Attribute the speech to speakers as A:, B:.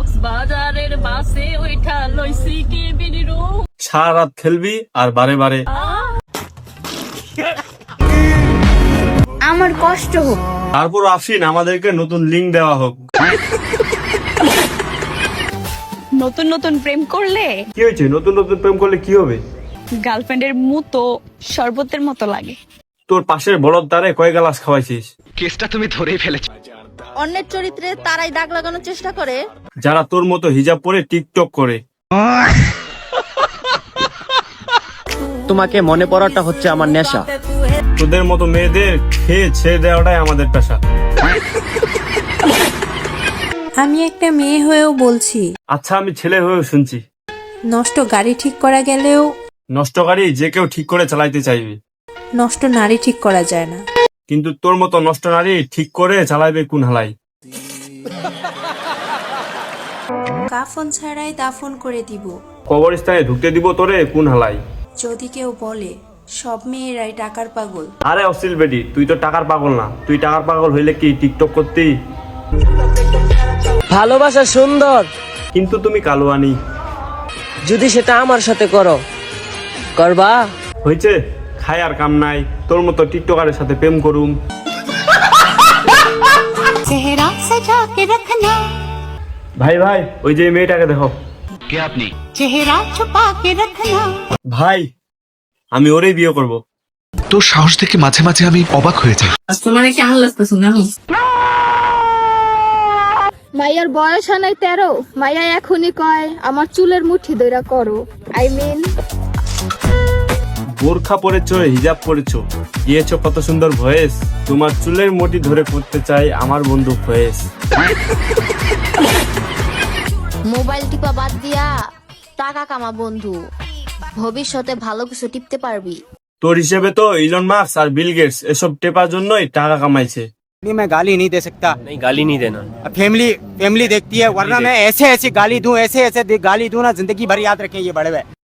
A: কক্সবাজারের বাসে ওইটা লইছি কেবিন রুম।
B: সারা রাত খেলবি আর বারে বারে
C: আমার কষ্ট হোক।
B: তারপর আসিন আমাদেরকে নতুন লিঙ্ক দেওয়া হোক।
A: নতুন নতুন প্রেম করলে
B: কি হয়েছে? নতুন নতুন প্রেম করলে কি হবে?
A: গার্লফ্রেন্ডের মতো শরবতের মতো লাগে।
B: তোর পাশের বলদ দ্বারে কয় গ্লাস খাওয়াইছিস?
D: কেসটা তুমি ধরেই ফেলেছো।
C: অন্যের চরিত্রে তারাই দাগ লাগানোর চেষ্টা করে।
B: যারা তোর মতো হিজাব পরে টিকটক করে।
E: তোমাকে মনে পড়াটা হচ্ছে আমার নেশা।
B: তোদের মতো মেয়েদের খেয়ে ছেড়ে দেওয়াটাই আমাদের পেশা।
F: আমি একটা মেয়ে হয়েও বলছি,
B: আচ্ছা আমি ছেলে হয়েও শুনছি,
F: নষ্ট গাড়ি ঠিক করা গেলেও
B: নষ্ট গাড়ি যে কেউ ঠিক করে চালাইতে চাইবে,
F: নষ্ট নারী ঠিক করা যায় না।
B: কিন্তু তোর মতো নষ্ট নারী ঠিক করে চালাইবে কোন হালাই?
F: কাফন ছাড়াই দাফন করে দিব।
B: কবরস্থানে ঢুকতে দিব তোরে কোন হালাই?
F: যদি কেউ বলে সব মেয়েরাই টাকার পাগল,
B: আরে অশ্লীল বেটি, তুই তো টাকার পাগল না। তুই টাকার পাগল হইলে কি টিকটক করতি?
E: ভালোবাসা সুন্দর,
B: কিন্তু তুমি কালোয়ানি।
E: যদি সেটা আমার সাথে করো, করবা?
B: হয়েছে, খায় আর কাম নাই, তোর মতো টিকটকারের সাথে প্রেম করুম। ভাই ভাই, ওই যে মেয়েটাকে দেখো।
D: কে আপনি?
B: ভাই, আমি ওরেই বিয়ে করব।
G: তোর সাহস দেখে মাঝে মাঝে আমি অবাক হয়ে যাই।
H: মাইয়ার বয়স হয় নাই 13, মাইয়া এখনই কয় আমার চুলের মুঠি ধইরা করো। আই মিন
B: বোরখা পরেছো, হিজাব পরেছো, দিয়েছো কত সুন্দর ভয়েস। তোমার চুলের মুঠি ধরে করতে চাই আমার বন্ধু ভয়েস।
C: মোবাইল টিপা বাদ দিয়া টাকা কামা বন্ধু, ভবিষ্যতে ভালো কিছু টিপতে পারবি।
B: তোর হিসেবে তো ইলন মাস্ক আর বিল গেটস এসব টেপার জন্যই টাকা কামাইছে।
E: मैं गाली नहीं दे सकता।
D: नहीं, गाली नहीं देना।
E: फैमिली देखती है, वरना मैं ऐसे गाली दूं, ऐसे गाली दूं ना, जिंदगी भर याद रखें ये बड़े भाई।